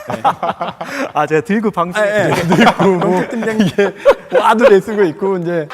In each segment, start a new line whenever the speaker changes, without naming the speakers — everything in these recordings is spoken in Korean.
아, 제가 들고 방송.
들고 뭐 팀장님 이게 와도 내쓰고 있고 이제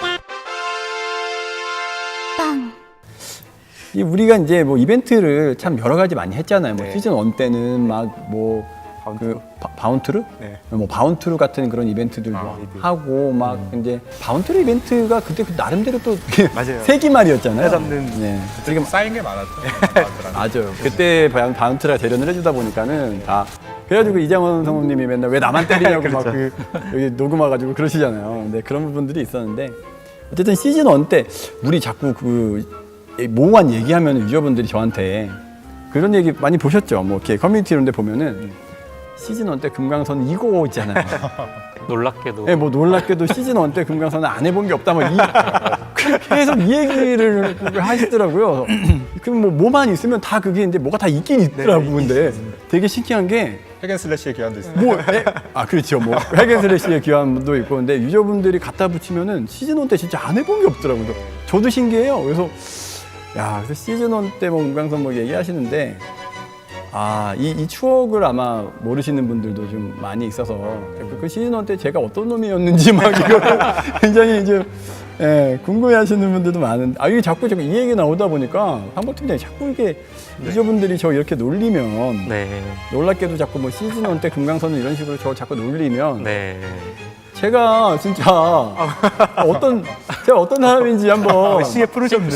이 우리가 이제 뭐 이벤트를 참 여러 가지 많이 했잖아요. 뭐
네.
시즌 1 때는 막 뭐 그 바운트루?
네.
뭐 바운트루 같은 그런 이벤트들도
이벤트.
하고 막 이제 바운트루 이벤트가 그때 그 나름대로 또
맞아요.
세기말이었잖아요.
잡는.
네.
지금 쌓인 게 많았죠.
맞아요. 그때 바운트라 대련을 해주다 보니까는 다 그래가지고 이장원 성우님이 맨날 왜 나만 때리냐고 막 그 여기 녹음 와가지고 그러시잖아요. 근데 그런 부분들이 있었는데 어쨌든 시즌 1 때 우리 자꾸 그 모호한 얘기하면 유저분들이 저한테 그런 얘기 많이 보셨죠. 뭐 이렇게 커뮤니티 이런 데 보면은 시즌 1 때 금강선 이거 있잖아요.
놀랍게도
네, 뭐 놀랍게도 시즌 1 때 금강선은 안 해본 게 없다. 뭐 계속 이 얘기를 하시더라고요. 그럼 뭐만 있으면 다 그게 이제 뭐가 다 있긴 있더라고. 근데 되게 신기한 게
핵앤슬래시의 기한도 있어요.
그렇죠. 뭐 핵앤슬래시의 기한도 있고 근데 유저분들이 갖다 붙이면은 시즌 1 때 진짜 안 해본 게 없더라고요. 그래서 저도 신기해요. 그래서 그래서 시즌 1 때 뭐 금강선 뭐 얘기하시는데 이 추억을 아마 모르시는 분들도 좀 많이 있어서 그 시즌 1 때 제가 어떤 놈이었는지 막 이걸 굉장히 이제 궁금해하시는 분들도 많은데 이게 자꾸 제가 이 얘기 나오다 보니까 한국 팀장이 자꾸 이렇게 유저분들이 저 이렇게 놀리면
네.
놀랍게도 자꾸 뭐 시즌 1 때 금강선을 이런 식으로 저 자꾸 놀리면
네.
제가 진짜 어떤 사람인지 한번
시계 풀으셨네.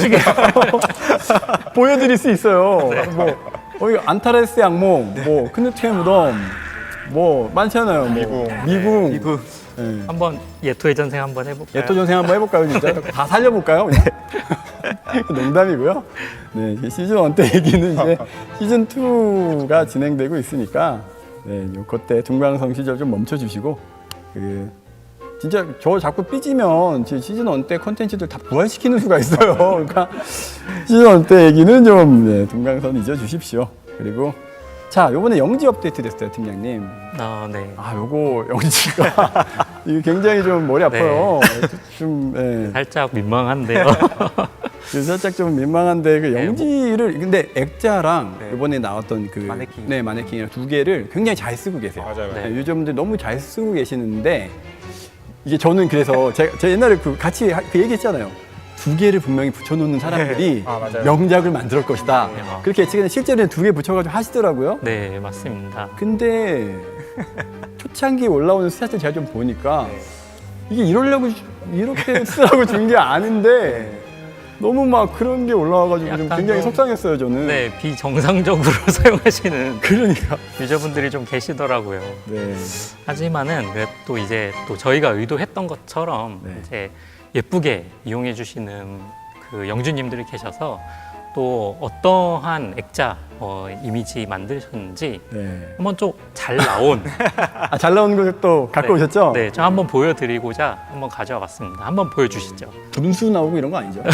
보여드릴 수 있어요. 뭐 안타레스 양몽, 뭐 크누트의 무덤, 뭐 많잖아요. 뭐 미궁. 네.
한번 예토의 전생 한번 해볼까요?
예토 전생 한번 해볼까요, 진짜? 다 살려볼까요? 농담이고요. 네, 시즌 1 때 얘기는 이제 시즌 2가 진행되고 있으니까 그때 둥강성 시절 좀 멈춰주시고 진짜 저 자꾸 삐지면 시즌 1 때 컨텐츠들 다 부활시키는 수가 있어요. 그러니까 시즌 1 때 얘기는 좀 둥강선 잊어주십시오. 그리고 자, 요번에 영지 업데이트 됐어요, 팀장님.
네.
요거 영지가 이게 굉장히 좀 머리 아파요. 좀
살짝 민망한데요.
살짝 좀 민망한데 그 영지를 근데 액자랑 이번에 나왔던 그
마네킹.
마네킹이랑 두 개를 굉장히 잘 쓰고 계세요.
맞아요.
네.
유저분들 너무 잘 쓰고 계시는데 이게 저는 그래서 제가 옛날에 같이 그 얘기했잖아요. 두 개를 분명히 붙여놓는 사람들이
맞아요.
명작을 만들 것이다.
네.
그렇게 예측했는데 실제로는 두 개 붙여가지고 하시더라고요.
네, 맞습니다.
근데 초창기에 올라오는 스탯을 제가 좀 보니까 이게 이러려고 이렇게 쓰라고 준 게 아닌데 너무 막 그런 게 올라와가지고 좀
약간
굉장히
좀
속상했어요, 저는.
네, 비정상적으로 사용하시는
그러니까.
유저분들이 좀 계시더라고요.
네.
하지만은 또 이제 또 저희가 의도했던 것처럼
네.
이제 예쁘게 이용해 주시는 그 영주님들이 계셔서 또 어떠한 액자 이미지 만드셨는지
네.
한번 좀 잘 나온
잘 나온 걸 또 갖고 오셨죠?
네, 좀 한번 보여드리고자 한번 가져와 봤습니다. 한번 보여주시죠.
분수 나오고 이런 거 아니죠?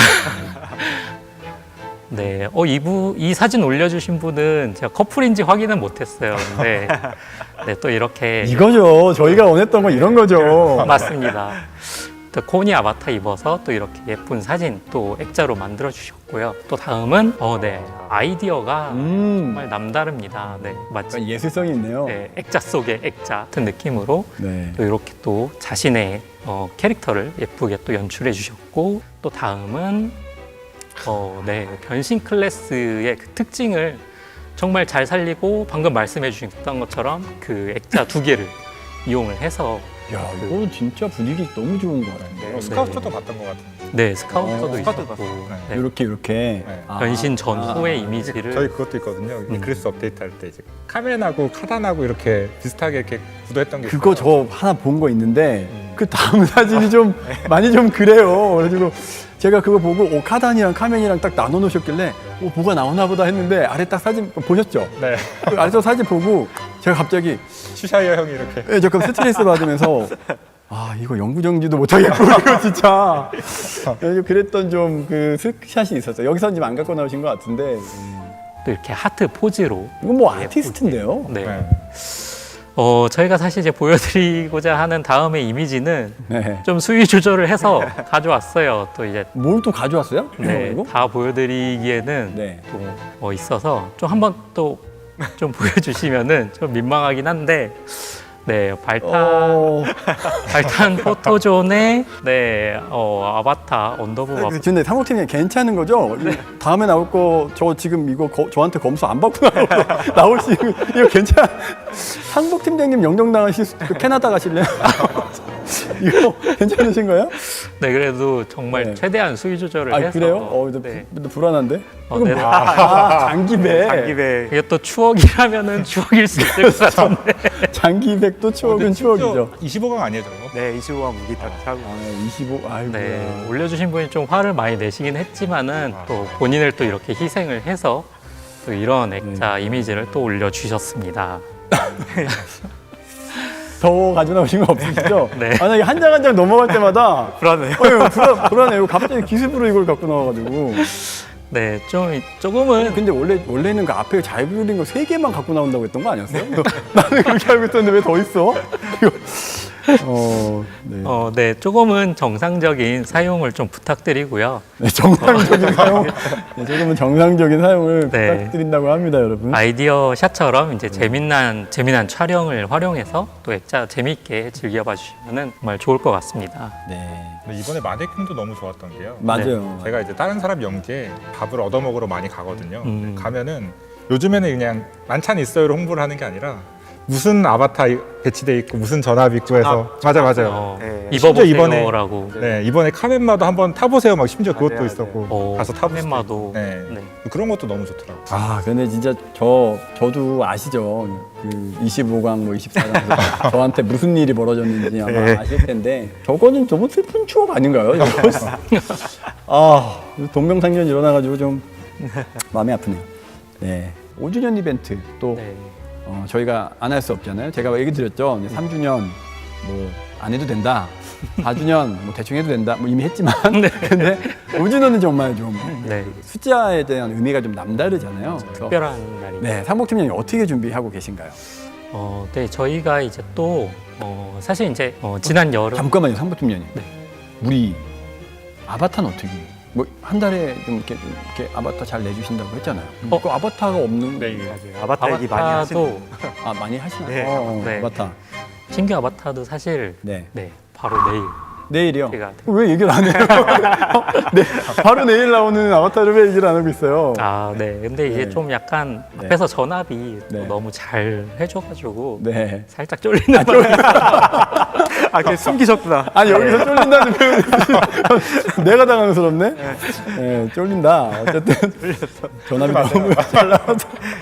네, 이 사진 올려주신 분은 제가 커플인지 확인은 못했어요. 근데 네, 또 이렇게
이거죠. 저희가 원했던 건 이런 거죠.
맞습니다. 또 코니 아바타 입어서 또 이렇게 예쁜 사진 또 액자로 만들어 주셨고요. 또 다음은 네, 아이디어가 정말 남다릅니다. 네, 마치
예술성이 있네요.
네, 액자 속의 액자 같은 느낌으로
네.
또 이렇게 또 자신의 캐릭터를 예쁘게 또 연출해 주셨고 또 다음은 네, 변신 클래스의 그 특징을 정말 잘 살리고 방금 말씀해 주셨던 것처럼 그 액자 두 개를 이용을 해서
야, 이거 진짜 분위기 너무 좋은 거 같아요.
스카우터도 봤던 것 같은데.
네, 스카우터도
스카우터
있었고
봤어요.
네,
이렇게.
네.
변신 전후의 이미지를
저희 그것도 있거든요. 이클리스 업데이트 할 때 이제 카멘하고 카단하고 이렇게 비슷하게 이렇게 구도했던 게
그거
있어요.
저 하나 본 거 있는데 그 다음 사진이 좀 많이 좀 그래요. 그래가지고 제가 그거 보고 카단이랑 카멘이랑 딱 나눠 놓으셨길래 뭐가 나오나 보다 했는데 아래 딱 사진 보셨죠?
네.
그 아래서 사진 보고 제가 갑자기
슈샤이어 형이 이렇게.
잠깐 스트레스 받으면서 이거 영구정지도 못하겠고 이거 진짜 그랬던 좀 그 스샷이 있었어요. 여기서는 지금 안 갖고 나오신 것 같은데
또 이렇게 하트 포즈로
이건 뭐 아티스트인데요?
네.
네.
저희가 사실 이제 보여드리고자 하는 다음의 이미지는
네.
좀 수위 조절을 해서 가져왔어요. 또 이제
뭘 또 가져왔어요?
네,
이거?
다 보여드리기에는
네.
또 있어서 좀 한번 또 좀 보여주시면은 좀 민망하긴 한데, 네, 발탄 포토존의 네, 아바타 언더부바.
근데 상호팀이 괜찮은 거죠? 다음에 나올 거 저 지금 이거 저한테 검수 안 받고 나올 수 이거 괜찮? 상복 팀장님 영정 나가실 캐나다 가실래요? 이거 괜찮으신가요?
네, 그래도 정말
네.
최대한 수위 조절을
아
해서.
그래요?
네.
불안한데? 이거
네.
장기배.
장기배.
이게 또 추억이라면은 추억일 수 있을 것 같은데.
장기백도 추억은 추억이죠.
25강 아니에요, 저거?
네, 25강 무기 딱 차고.
25. 아이고.
네, 올려주신 분이 좀 화를 많이 내시긴 했지만은 또 본인을 또 이렇게 희생을 해서 또 이런 액자 이미지를 또 올려주셨습니다.
더 가져 나오신 거 없으시죠?
네.
만약에 한 장 한 장 넘어갈 때마다
불안해요.
불안해요. 갑자기 기습으로 이걸 갖고 나와가지고.
네, 조금은
근데 원래는 그 앞에 잘 그린 거 3개만 갖고 나온다고 했던 거 아니었어요? 나는 그렇게 알고 있었는데 왜 더 있어? 이거. 네.
네, 조금은 정상적인 사용을 좀 부탁드리고요.
네, 정상적인 사용. 네, 조금은 정상적인 사용을
네.
부탁드린다고 합니다, 여러분.
아이디어 샷처럼 이제 재미난 촬영을 활용해서 또 액자 재미있게 즐겨봐 주시면은 정말 좋을 것 같습니다.
네.
근데 이번에 마네킹도 너무 좋았던 게요.
맞아요.
제가 이제 다른 사람 연기에 밥을 얻어먹으러 많이 가거든요. 가면은 요즘에는 그냥 만찬 있어요로 홍보를 하는 게 아니라 무슨 아바타 배치돼 있고 무슨 전압 있고 해서 맞아요.
네.
입어보세요라고.
네, 이번에 카멘마도 한번 타보세요. 막 심지어 그것도
맞아요,
있었고 가서 타보세요.
카멘마도.
네.
네.
그런 것도 너무 좋더라고요.
아, 근데 진짜 저도 아시죠? 그 25강 뭐 24강 저한테 무슨 일이 벌어졌는지 아마
네.
아실 텐데 저거는 너무 슬픈 추억 아닌가요? 아, 동명상련 일어나가지고 좀 마음이 아프네요. 네. 5주년 이벤트 또
네.
저희가 안 할 수 없잖아요. 제가 얘기 드렸죠. 3주년 뭐 안 해도 된다. 4주년 뭐 대충 해도 된다. 뭐 이미 했지만 근데 5주년은 정말 좀
네.
숫자에 대한 의미가 좀 남다르잖아요. 그래서
특별한 날입니다.
네, 상복팀장님 어떻게 준비하고 계신가요?
네, 저희가 이제 또 사실 이제 지난 여름
잠깐만요, 상복팀장님.
네.
우리 아바타는 어떻게? 뭐 한 달에 좀 이렇게 아바타 잘 내주신다고 했잖아요. 그 아바타가 없는
네,
맞아요. 아바타 얘기 많이
아바타도
하시는.
많이 하시나요?
네.
네.
아바타.
신규 아바타도 사실
네.
바로 내일
내일이요?
제가
왜 얘기를 안 해요? 네, 바로 내일 나오는 아바타를 왜 얘기를 안 하고 있어요?
네. 근데 이제
네.
좀 약간
네.
앞에서 전압이
네.
또 너무 잘 해줘가지고
네.
살짝 쫄리는 마음이
아, 그게 숨기셨구나.
아니 여기서 쫄린다는 표현이 내가 당황스럽네. 네, 쫄린다. 어쨌든 전압이 너무 잘 나와서.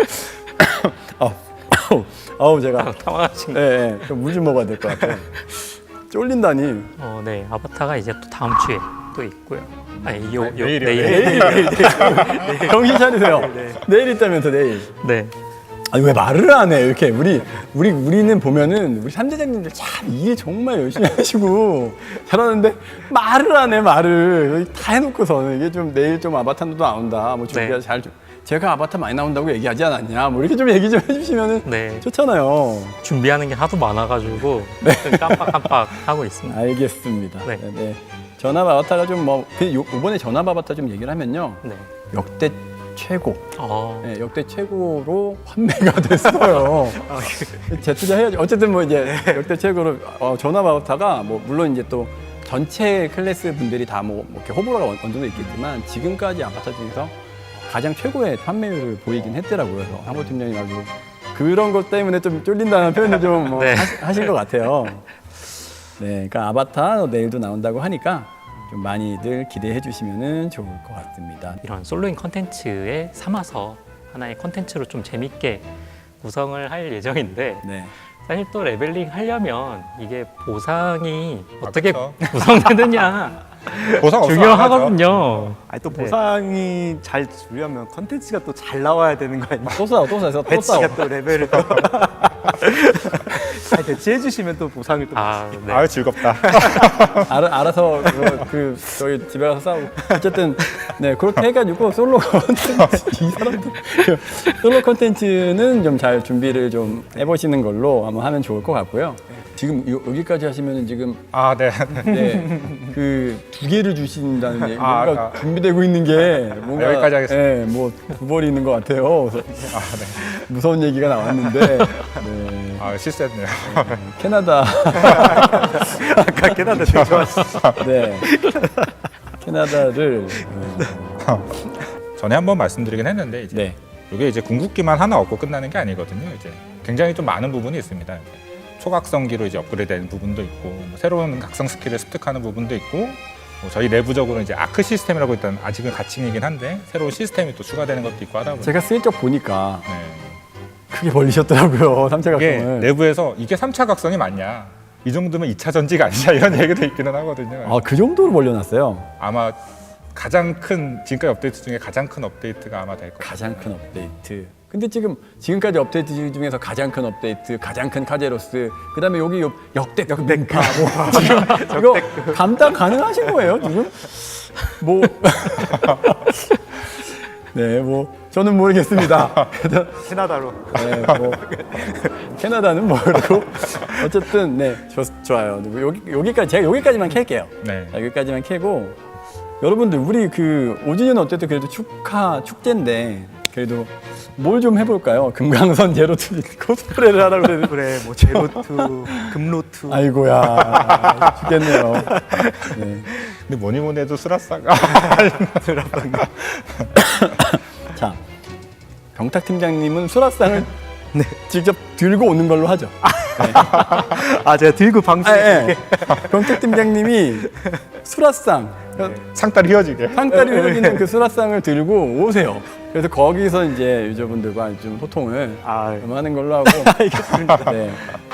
아우 제가
당황하신 거.
네, 물 좀 먹어야 될 것 같아요. 쫄린다니.
네. 아바타가 이제 또 다음 주에 또 있고요.
내일이요.
내일.
정신 차리세요. 내일 있다면서 내일.
네.
아니 왜 말을 안 해? 이렇게 우리는 보면은 우리 삼대장님들 참 일 정말 열심히 하시고 잘하는데 말을 안 해 말을 다 해놓고서 이게 좀 내일 좀 아바타도 나온다. 뭐 준비가
네.
잘 좀. 제가 아바타 많이 나온다고 얘기하지 않았냐? 뭐 이렇게 좀 얘기 좀 해주시면은
네.
좋잖아요.
준비하는 게 하도 많아가지고 좀 깜빡깜빡 하고 있습니다.
알겠습니다.
네.
네. 전압 아바타가 좀 뭐 이번에 전압 아바타 좀 얘기를 하면요.
네.
역대 최고.
네.
네, 역대 최고로 판매가 됐어요. 재투자해야지. 어쨌든 뭐 이제 역대 최고로 전압 아바타가 뭐 물론 이제 또 전체 클래스 분들이 다 뭐 이렇게 호불호가 어느 정도 있겠지만 지금까지 아바타 중에서 가장 최고의 판매율을 보이긴 했더라고요. 그래서 한보 팀장님 아주 그런 것 때문에 좀 쫄린다는 표현을 좀 뭐
네.
하신 것 같아요. 네, 그러니까 아바타 내일도 나온다고 하니까 좀 많이들 기대해 주시면 좋을 것 같습니다.
이런 솔로인 컨텐츠에 삼아서 하나의 컨텐츠로 좀 재밌게 구성을 할 예정인데
네.
사실 또 레벨링 하려면 이게 보상이 어떻게
그쵸.
구성되느냐
보상 없어
중요하거든요.
아니, 또
네.
보상이 잘 주려면 컨텐츠가 또 잘 나와야 되는 거 아니에요?
또 싸워.
배치가 또 레벨을 또 잘 배치해 주시면 또 보상을 또
네.
아유 즐겁다.
알아서 저희 집에 가서 싸우고 어쨌든 네 그렇게 해가지고 솔로 컨텐츠 이 사람들 솔로 컨텐츠는 좀 잘 준비를 좀 해보시는 걸로 한번 하면 좋을 것 같고요. 지금 여기까지 하시면은 지금
아, 네.
네, 그 2개를 주신다는 얘기,
아,
뭔가 준비되고 있는 게 뭔가
여기까지 하겠습니다.
네, 뭐 두벌이 있는 것 같아요. 그래서
아, 네.
무서운 얘기가 나왔는데 네,
아, 실수했네요.
캐나다
아까 캐나다 되게 좋았어.
네, 캐나다를
전에 한번 말씀드리긴 했는데 이제
네,
이게 이제 궁극기만 하나 얻고 끝나는 게 아니거든요. 이제 굉장히 좀 많은 부분이 있습니다. 이제 초각성기로 이제 업그레이드되는 부분도 있고 뭐 새로운 각성 스킬을 습득하는 부분도 있고 뭐 저희 내부적으로 이제 아크 시스템이라고 일단 아직은 가칭이긴 한데 새로운 시스템이 또 추가되는 것도 있고 하다 보니까
제가 슬쩍 보니까
네.
크게 벌리셨더라고요. 3차
이게
각성을.
내부에서 이게 3차 각성이 맞냐? 이 정도면 2차 전지가 아니냐 이런 얘기도 있기는 하거든요.
아, 그 정도로 벌려놨어요.
아마 가장 큰 지금까지 업데이트 중에 가장 큰 업데이트가 아마 될 거예요.
가장 큰 업데이트. 근데 지금까지 업데이트 중에서 가장 큰 업데이트, 가장 큰 카제로스, 그다음에 여기 역대급 맹파, 뭐 지금 이거 감당 가능하신 거예요 지금? 뭐 네, 뭐 저는 모르겠습니다.
캐나다로.
네, 뭐 캐나다는 모르고 어쨌든 네, 좋아요. 여기까지 제가 여기까지만 캘게요.
네.
자, 여기까지만 캐고 여러분들 우리 그 5주년 어쨌든 그래도 축제인데 그래도 뭘 좀 해볼까요? 금강선 제로투 코스프레를 하라고 그랬는데
그래 뭐 제로투, 금로투.
아이고야 죽겠네요. 네.
근데 뭐니 해도 수라사가
자, 병탁 팀장님은 수라상을 직접 들고 오는 걸로 하죠.
아 제가 들고 방송.
네. 병탁 팀장님이 수라상
상다리 휘어지게.
상다리 휘어지는 그 수라상을 들고 오세요. 그래서 거기서 이제 유저분들과 좀 소통을
아
좀 하는 걸로 하고. 알겠습니다. 네.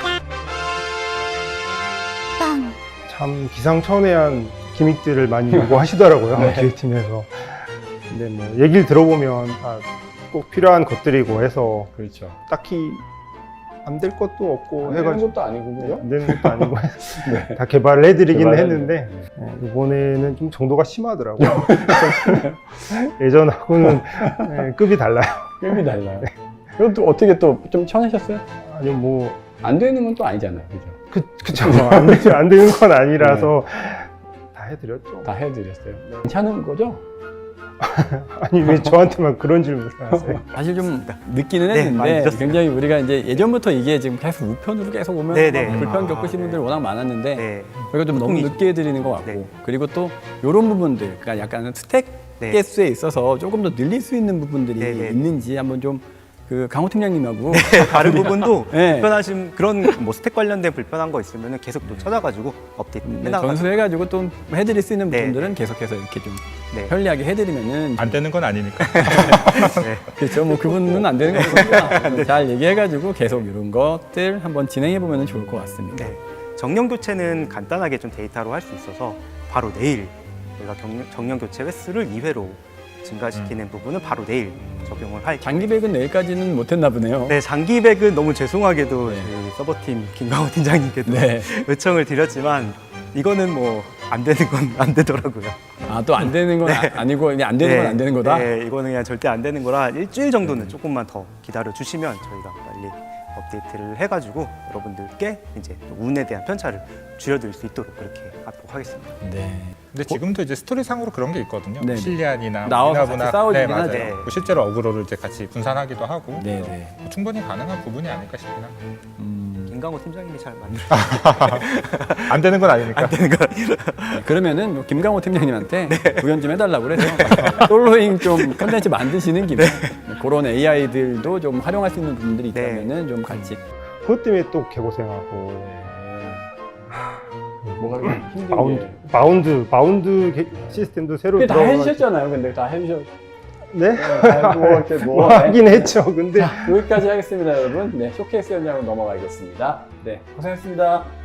참 기상천외한 기믹들을 많이 요구하시더라고요.
네.
기획팀에서. 근데 뭐 얘기를 들어보면 꼭 필요한 것들이고 해서
그렇죠.
딱히 안 될 것도 없고
하는
해가지고
것도 아니고 그죠?
안 되는 것도 아니고 해서
네.
다 개발을 해드리긴
개발을
했는데 이번에는 좀 정도가 심하더라고요. 예전하고는 급이 달라요.
급이 달라요. 그럼 또 어떻게 또 좀 쳐내셨어요?
아니 뭐
안 되는 건 또 아니잖아요. 그죠?
그쵸 안 되는 건 아니라서 다 해드렸죠.
다 해드렸어요. 괜찮은 거죠?
아니 왜 저한테만 그런 질문을 하세요?
사실 좀 늦기는
네, 많이
했는데
늦었어요.
굉장히 우리가 이제 예전부터 이게 지금 계속 우편으로 계속 오면
네, 네.
막 불편
아,
겪으신
네.
분들 워낙 많았는데
네.
저희가 좀 너무
소통이죠.
늦게 해드리는 것 같고
네.
그리고 또 이런 부분들 그러니까 약간 스택
네.
개수에 있어서 조금 더 늘릴 수 있는 부분들이
네, 네.
있는지 한번 좀 그 강호 팀장님하고
다른 부분도
네.
불편하신 그런 뭐 스택 관련된 불편한 거 있으면 계속 또 찾아가지고 업데이트 해나가고.
전수해가지고 또 해드릴 수 있는
네.
부분들은 계속해서 이렇게 좀
네.
편리하게 해드리면은
안 되는 건 아니니까.
그렇죠. 뭐 그분은 안 되는 거 없으니까 잘 얘기해가지고 계속 이런 것들 한번 진행해 보면 좋을 것 같습니다.
네. 정령 교체는 간단하게 좀 데이터로 할 수 있어서 바로 내일 저희가 정령 교체 횟수를 2회로 증가시키는 부분은 바로 내일 적용을 할.
장기백은 내일까지는 못했나 보네요.
네, 장기백은 너무 죄송하게도
네.
저희 서버팀 김강호 팀장님께도
네.
요청을 드렸지만 이거는 뭐 안 되는 건 안 되더라고요.
아, 또 안 되는 건 아니고 그냥 안 되는 건 안 되는 거다.
네, 이거는 그냥 절대 안 되는 거라 일주일 정도는 조금만 더 기다려 주시면 저희가 빨리 업데이트를 해가지고 여러분들께 이제 운에 대한 편차를 줄여드릴 수 있도록 그렇게 하도록 하겠습니다.
네.
근데 지금도 이제 스토리상으로 그런 게 있거든요.
네.
실리안이나
나와서
미나부나-
같이 싸워주긴
네, 맞아요.
하죠.
네.
뭐 실제로 어그로를 이제 같이 분산하기도 하고
네, 네.
뭐 충분히 가능한 부분이 아닐까 싶긴 합니다.
김강호 팀장님이 잘 만들어
안 되는 건 아니니까.
안 되는 거
네, 그러면은 뭐 김강호 팀장님한테 구현 좀 해달라고 그래서 솔로잉 좀 컨텐츠 만드시는 김에 그런 AI들도 좀 활용할 수 있는 부분들이
네.
있다면은 좀 같이
그것 때문에 또 개고생하고
뭐가 힘든
바운드 시스템도 새로
그게 다
들어가가지고-
해주셨잖아요. 근데 다 해주셨.
네?
뭐 이렇게
뭐 하긴 했죠. 근데
여기까지 하겠습니다, 여러분. 네, 쇼케이스였냐고 넘어가겠습니다. 네, 고생했습니다.